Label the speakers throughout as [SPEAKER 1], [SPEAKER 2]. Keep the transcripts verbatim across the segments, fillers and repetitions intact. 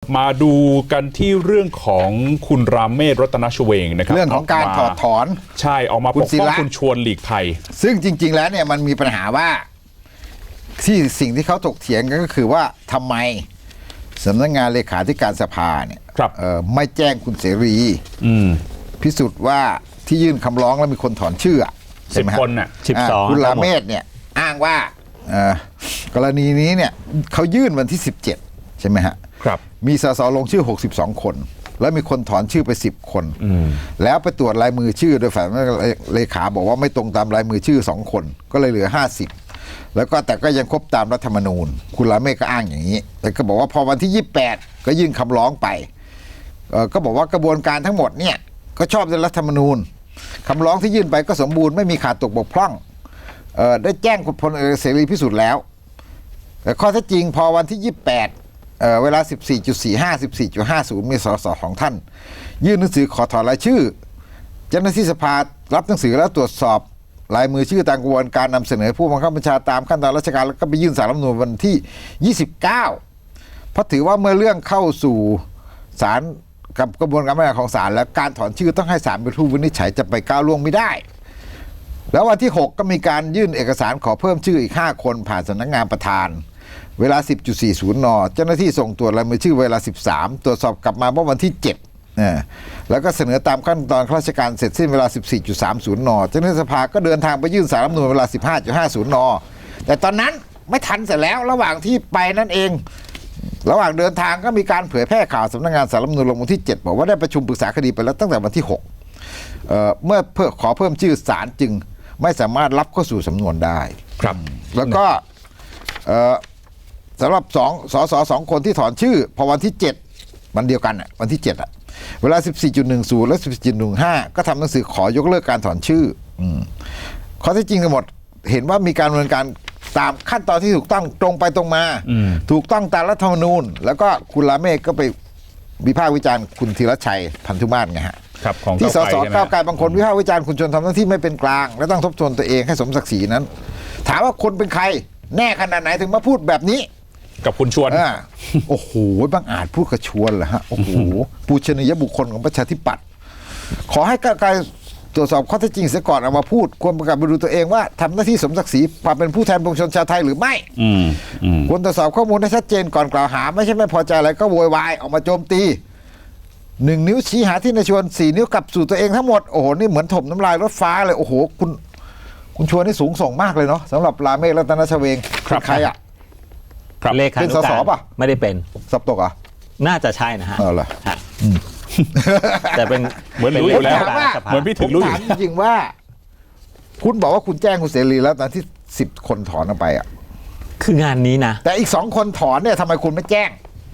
[SPEAKER 1] มาดูกันที่เรื่องของคุณรามเมศรัตนชเวงนะครับ
[SPEAKER 2] เรื่องของการถอดถอน
[SPEAKER 1] ใช่ออกมาปกป้องคุณชวนหลีกภัย
[SPEAKER 2] ซึ่งจริงๆแล้วเนี่ยมันมีปัญหาว่าที่สิ่งที่เขาถกเถียงกันก็คือว่าทำไมสำนักงานเลขาธิการสภาเนี่ยไม่แจ้งคุณเสรีพิสูจน์ว่าที่ยื่นคำร้องแล้วมีคนถอนชื่อ
[SPEAKER 1] สิบคนน่ะ
[SPEAKER 2] สิบสองคุณรามเมศเนี่ยอ้างว่ากรณีนี้เนี่ยเขายื่นวันที่สิบเจ็ดใช่ไหมฮะ
[SPEAKER 1] ครับ
[SPEAKER 2] มีสสลงชื่อหกสิบสองคนแล้วมีคนถอนชื่อไปสิบคนแล้วไปตรวจลายมือชื่อโดยฝ่ายเลขาบอกว่าไม่ตรงตามลายมือชื่อสองคนก็เลยเหลือห้าสิบแล้วก็แต่ก็ยังครบตามรัฐธรรมนูญคุณรามเมศก็อ้างอย่างนี้แต่ก็บอกว่าพอวันที่ยี่สิบแปดก็ยื่นคำร้องไปก็บอกว่ากระบวนการทั้งหมดเนี่ยก็ชอบด้วยรัฐธรรมนูญคำร้องที่ยื่นไปก็สมบูรณ์ไม่มีขาดตกบกพร่องได้แจ้งคุณพลเอกเสรีพิสุทธิ์แล้วแต่ข้อเท็จจริงพอวันที่ยี่สิบแปดเอ่อเวลา สิบสี่จุดสี่ห้า สิบสี่จุดห้าศูนย์ มีสสของท่านยื่นหนังสือขอถอนรายชื่อเจ้าหน้าที่สภารับหนังสือแล้วตรวจสอบลายมือชื่อตามกระบวนการนำเสนอผู้บังคับบัญชาตามขั้นตอนราชการแล้วก็ไปยื่นศาลรัฐธรรมนูญวันที่ยี่สิบเก้าเพราะถือว่าเมื่อเรื่องเข้าสู่ศาลกับกระบวนการพิจารณาของศาลแล้วการถอนชื่อต้องให้ศาลเป็นผู้วินิจฉัยจะไปก้าวล่วงไม่ได้แล้ววันที่หกก็มีการยื่นเอกสารขอเพิ่มชื่ออีกห้าคนผ่านสำนักงานประธานเวลา สิบจุดสี่ศูนย์ นเจ้าหน้าที่ส่งตรวจลายมือชื่อเวลาสิบสามตรวจสอบกลับมาเมื่อวันที่เจ็ดนะแล้วก็เสนอตามขั้นตอนข้าราชการเสร็จสิ้นเวลา สิบสี่จุดสามศูนย์ นเจ้าหน้าที่สภาก็เดินทางไปยื่นศาลรัฐธรรมนูญเวลา สิบห้าจุดห้าศูนย์ นแต่ตอนนั้นไม่ทันเสร็จแล้วระหว่างที่ไปนั่นเองระหว่างเดินทางก็มีการเผยแพร่ข่าวสำนักงานศาลรัฐธรรมนูญลงวันที่เจ็ดบอกว่าได้ประชุมปรึกษาคดีไปแล้วตั้งแต่วันที่หกเอ่อเมื่อเพื่อขอเพิ่มชื่อศาลจึงไม่สามารถรับเข้าสู่สำนวนได้
[SPEAKER 1] ครับ
[SPEAKER 2] แล้วก็เอ่อสำหรับสองสสสองคนที่ถอนชื่อพอวันที่เจ็ดวันเดียวกันอ่ะวันที่เจ็ดอ่ะเวลา สิบสี่จุดหนึ่งศูนย์ และ สิบสี่จุดหนึ่งห้า ก็ทำหนังสือขอยกเลิกการถอนชื่ออืมข้อเท็จจริงทั้งหมดเห็นว่ามีการดำเนินการตามขั้นตอนที่ถูกต้องตรงไปตรงมาถูกต้องตามรัฐธรรมนูญแล้วก็คุณรามเมศก็ไปวิพากษ์วิจารณ์คุณธีรชัยพันธุมาศไงฮะที่สสก้าวไกลบางคนวิพากษ์วิจารณ์คุณชวนทำหน้าที่ไม่เป็นกลางและต้องทบทวนตัวเองให้สมศักดิ์ศรีนั้นถามว่าคนเป็นใครแน่ขนาดไหนถึงมาพูดแบบนี้
[SPEAKER 1] กับคุณชวน
[SPEAKER 2] โอ้โหบางอาจพูดกับชวนเหรอฮะโอ้โหปูชนียบุคคลของประชาธิปัตย์ขอให้ก้าวไกลตรวจสอบข้อเท็จจริงเสียก่อนเอามาพูดควรประกาศไปดูตัวเองว่าทำหน้าที่สมศักดิ์ศรีความเป็นผู้แทนปวงชนชาวไทยหรือไม่ควรตรวจสอบข้อมูลให้ชัดเจนก่อนกล่าวหาไม่ใช่ไม่พอใจอะไรก็โวยวายออกมาโจมตีหนึ่งนิ้วชี้หาที่นายชวนสี่นิ้วกลับสู่ตัวเองทั้งหมดโอ้โหนี่เหมือนถมน้ำลายรถฟ้าเลยโอ้โหคุณคุณชวนนี่สูงส่งมากเลยเนาะสำหรับรามเมศรัตนชเวงใครอ่ะ
[SPEAKER 3] เลขา
[SPEAKER 2] เป็นสสป่ะ
[SPEAKER 3] ไม่ได้เป็น
[SPEAKER 2] สับตกอ่ะ
[SPEAKER 3] น่าจะใช่นะฮะ
[SPEAKER 2] เออเหรอ
[SPEAKER 3] แต่เป็น
[SPEAKER 1] เหมือนรู้อยู่แล้วเหมือนพี่ถึงรู้
[SPEAKER 2] ถามจริงๆว่าคุณบอกว่าคุณแจ้งคุณเสรีแล้วตอนที่สิบคนถอนออกไปอ่ะ
[SPEAKER 3] คืองานนี้นะ
[SPEAKER 2] แต่อีกสองคนถอนเนี่ยทำไมคุณไม่แจ้ง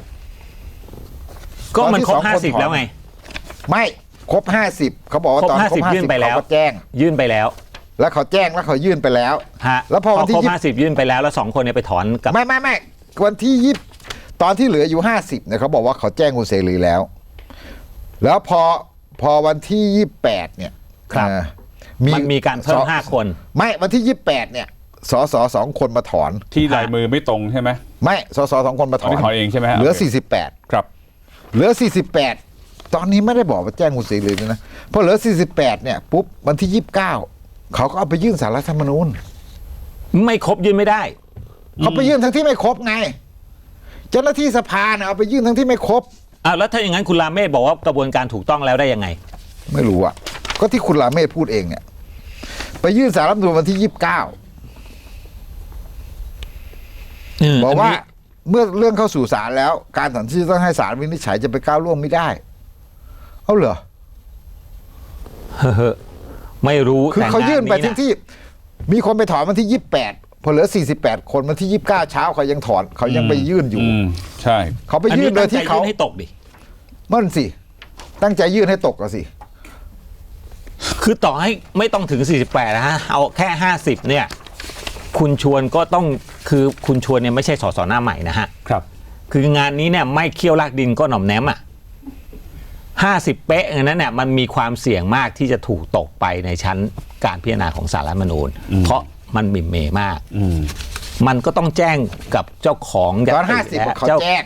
[SPEAKER 3] ก็มันครบห้าสิบแล้วไง
[SPEAKER 2] ไม่ครบห้าสิบเขาบอกว่าตอนครบห้าสิบเขาแจ้ง
[SPEAKER 3] ยื่นไปแล้ว
[SPEAKER 2] แล้วเขาแจ้งแล้วเขายื่นไปแล้ว
[SPEAKER 3] ฮะ
[SPEAKER 2] แล้วพอวันที่
[SPEAKER 3] ครบห้าสิบยื่นไปแล้วแล้วสองคนเนี่ยไปถอนกับ
[SPEAKER 2] ไม่ไม่ไม่วันที่ยี่สิบตอนที่เหลืออยู่ห้าสิบเนี่ยเขาบอกว่าเขาแจ้งคุณเสรีแล้วแล้วพอพอวันที่ยี่สิบแปดเนี่ย
[SPEAKER 3] ครับมันมีการเพิ่มห้าคน
[SPEAKER 2] ไม่วันที่ยี่สิบแปดเนี่ยสสสองคนมาถอน
[SPEAKER 1] ที่ลายมือไม่ตรงใช่ไหม
[SPEAKER 2] ไม่สสสองคนมาถอน
[SPEAKER 1] ถอนเองใช่ไหม
[SPEAKER 2] เหลือสี่สิบแปด
[SPEAKER 1] ครับ
[SPEAKER 2] เหลือสี่สิบแปดตอนนี้ไม่ได้บอกว่าแจ้งคุณเสรีนะพอเหลือสี่สิบแปดเนี่ยปุ๊บวันที่ยี่สิบเก้าเขาก็เอาไปยื่นศาลรัฐธรรมนูญ
[SPEAKER 3] ไม่ครบยื่นไม่ได้
[SPEAKER 2] เขาไปยื่นทั้งที่ไม่ครบไงเจ้าหน้าที่สภาเนี่ยเอาไปยื่นทั้งที่ไม่ครบ
[SPEAKER 3] อ้าวแล้วถ้าอย่างนั้นคุณรามเมศบอกว่ากระบวนการถูกต้องแล้วได้ยังไง
[SPEAKER 2] ไม่รู้อ่ะก็ที่คุณรามเมศพูดเองเนี่ยไปยื่นศาลรัฐธรรมนูญวันที่ยี่สิบเก้าบอกว่าเมื่อเรื่องเข้าสู่ศาลแล้วการถอนชื่อต้องให้ศาลวินิจฉัยจะไปก้าวล่วงไม่ได้เอาเหรอ
[SPEAKER 3] ไม่รู้
[SPEAKER 2] คือเขายื่นไปที่ที่มีคนไปถอนวันที่ยี่สิบแปดพอเหลือสี่สิบแปดคนวันที่ยี่สิบเก้าเช้าเขายังถอนเขายังไปยื่นอยู่
[SPEAKER 1] ใช่
[SPEAKER 2] เขาไปยื่นโดยที่เขา
[SPEAKER 3] ให้ตกดิ
[SPEAKER 2] มันสิตั้งใจยื่นให้ตกก็สิ
[SPEAKER 3] คือต่อให้ไม่ต้องถึงสี่สิบแปดนะฮะเอาแค่ห้าสิบเนี่ยคุณชวนก็ต้องคือคุณชวนเนี่ยไม่ใช่สสหน้าใหม่นะฮะ
[SPEAKER 1] ครับ
[SPEAKER 3] คืองานนี้เนี่ยไม่เคี่ยวลากดินก็หน่อมแนมอ่ะห้าสิบเป๊ะอย่างนั้นเนี่ยมันมีความเสี่ยงมากที่จะถูกตกไปในชั้นการพิจารณาของศาลรัฐธรรมนูญเพราะมันหมิ่นเมย์มากมันก็ต้องแจ้งกับเจ้าของ
[SPEAKER 2] ตอนห้าสิบเขาแจ้ง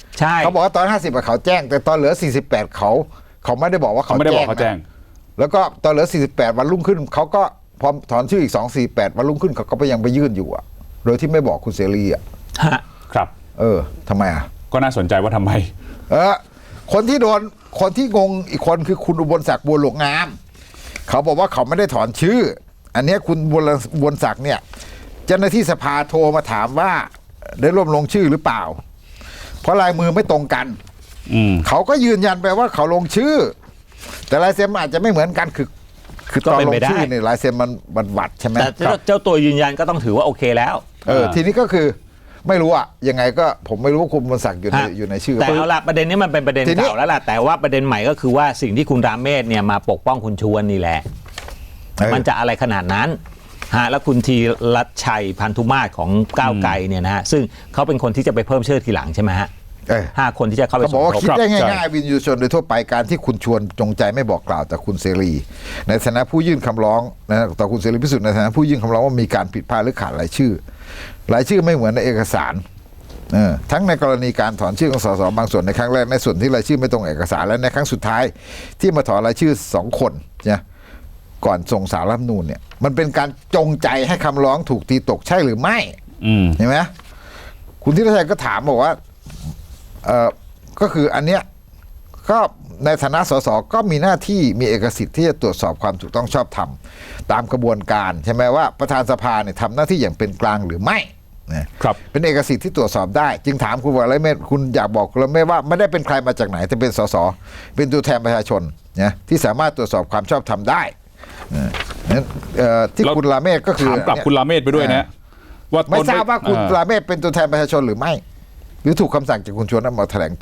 [SPEAKER 3] ใช่
[SPEAKER 2] เขาบอกว่าตอนห้าสิบเขาแจ้งแต่ตอนเหลือสี่สิบแปดเขาเขาไม่ได้บอกว่า
[SPEAKER 1] เขา
[SPEAKER 2] เขา
[SPEAKER 1] ไม่ได้บอก
[SPEAKER 2] นะ
[SPEAKER 1] เขาแจ้ง
[SPEAKER 2] แล้วก็ตอนเหลือสี่สิบแปดวันรุ่งขึ้นเขาก็พอถอนชื่ออีกสอง สี่แปดวันรุ่งขึ้นเขาก็ไปยังไปยื่นอยู่อ่ะโดยที่ไม่บอกคุณเสรีอ่ะ
[SPEAKER 3] ฮะ
[SPEAKER 1] ครับ
[SPEAKER 2] เออทำไมอ่ะ
[SPEAKER 1] ก็น่าสนใจว่าทำไม
[SPEAKER 2] เออคนที่โดนคนที่งงอีกคนคือคุณอุบลศักดิ์บัวหลวงงามเขาบอกว่าเขาไม่ได้ถอนชื่อ อันเนี้ยคุณบุญบุญศักดิ์เนี่ยเจ้าหน้าที่สภาโทรมาถามว่าได้ร่วมลงชื่อหรือเปล่า เพราะลายมือไม่ตรงกัน
[SPEAKER 1] อืม
[SPEAKER 2] เขาก็ยืนยันไปว่าเขาลงชื่อ แต่ลายเซ็นมันอาจจะไม่เหมือนกันคือ คือตอนลงชื่อเนี่ยลายเซ็นมันมันวัดใช่ไหม
[SPEAKER 3] แต่เจ้าเจ้าตัวยืนยันก็ต้องถือว่าโอเคแล้ว
[SPEAKER 2] เออทีนี้ก็คือไม่รู้อะยังไงก็ผมไม่รู้ว่าคุณบุญศักดิ์อยู่ใน
[SPEAKER 3] ฮะ
[SPEAKER 2] อยู่ในชื่อ
[SPEAKER 3] แต่เอาละประเด็นนี้มันเป็นประเด็น
[SPEAKER 2] ทีนี้
[SPEAKER 3] เก่าแล้วล่ะแต่ว่าประเด็นใหม่ก็คือว่าสิ่งที่คุณรามเมศเนี่ยมาปกป้องคุณชวนนี่แหละ
[SPEAKER 2] เออ
[SPEAKER 3] มันจะอะไรขนาดนั้นฮะแล้วคุณทีรัชชัยพันธุมาศของก้าวไกลเนี่ยนะฮะซึ่งเขาเป็นคนที่จะไปเพิ่มชื่อทีหลังใช่ไหมฮะ
[SPEAKER 2] เออ
[SPEAKER 3] ห้าคนที่จะเข้าไป
[SPEAKER 2] เขา
[SPEAKER 3] ส
[SPEAKER 2] บอก
[SPEAKER 3] ม
[SPEAKER 2] ว่า
[SPEAKER 3] ทบ
[SPEAKER 2] คิดได้
[SPEAKER 1] ใช่
[SPEAKER 2] ง่ายๆวินยูชนโดยทั่วไปการที่คุณชวนจงใจไม่บอกกล่าวแต่คุณเสรีในฐานะผู้ยื่นคำร้องนะต่อคุณเสรีพิสุทธิ์ในฐานะผู้ยื่นคำร้องว่ามีการผิดพลาดหรือขาดรายชื่อรายชื่อไม่เหมือนในเอกสารเออทั้งในกรณีการถอนชื่อของสสบางส่วนในครั้งแรกในส่วนที่รายชื่อไม่ตรงเอกสารและในครั้งสุดท้ายที่มาถอนรายชื่อสองคนเนี่ยก่อนส่งสารรัฐธรรมนูญเนี่ยมันเป็นการจงใจให้คำร้องถูกตีตกใช่หรือไม่
[SPEAKER 1] อืม
[SPEAKER 2] เห็นไหมคุณทิศชัยก็ถามบอกว่าเออก็คืออันเนี้ยก็ในฐานะสสก็มีหน้าที่มีเอกสิทธิ์ที่จะตรวจสอบความถูกต้องชอบธรรมตามกระบวนการใช่ไหมว่าประธานสภาเนี่ยทำหน้าที่อย่างเป็นกลางหรือไม่นะครับ เป็นเอกสิทธิ์ที่ตรวจสอบได้ จึงถามคุณวรเมธคุณอยากบอกคุณวรเมธว่าไม่ได้เป็นใครมาจากไหนแต่เป็นสสเป็นตัวแทนประชาชนนะที่สามารถตรวจสอบความชอบธรรมได้นะนั้นเอ่อที่
[SPEAKER 1] แล้ว
[SPEAKER 2] คุณราเมศก็คือ
[SPEAKER 1] ถามกลับคุณราเมศไปด้วยนะว่า
[SPEAKER 2] ไม่
[SPEAKER 1] ตน
[SPEAKER 2] ทราบว่าคุณ
[SPEAKER 1] อ่
[SPEAKER 2] ราเมศเป็นตัวแทนประชาชนหรือไม่ หรือถูกคำสั่งจากคุณชวนนั้นมาแถลงโต้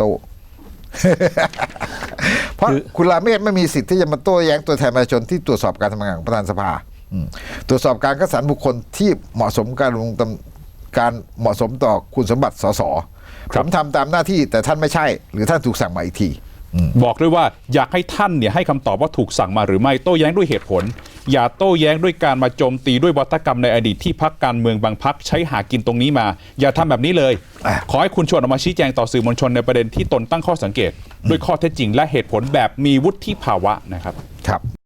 [SPEAKER 2] เพราะคุณราเมศไม่มีสิทธิ์ที่จะมาโต้แย้งตัวแทนประชาชนที่ตรวจสอบการทำงานของประธานสภาอืมตรวจสอบการคัดสรรบุคคลที่เหมาะสมการลงตำการเหมาะสมต่อคุณสมบัติสสผมทำตามหน้าที่แต่ท่านไม่ใช่ หรือท่านถูกสั่งมาอีกที
[SPEAKER 1] บอกด้วยว่าอยากให้ท่านเนี่ยให้คำตอบว่าถูกสั่งมาหรือไม่โต้แย้งด้วยเหตุผล อย่าโต้แย้งด้วยการมาโจมตีด้วยวัฒกรรมในอดีตที่พรรคการเมืองบางพรรคใช้หากินตรงนี้มา อย่าทำแบบนี้เลย
[SPEAKER 2] อ่ะ
[SPEAKER 1] ขอให้คุณชวนออกมาชี้แจงต่อสื่อมวลชนในประเด็นที่ตนตั้งข้อสังเกต ด้วยข้อเท็จจริงและเหตุผลแบบมีวุฒิภาวะนะครับ
[SPEAKER 2] ครับ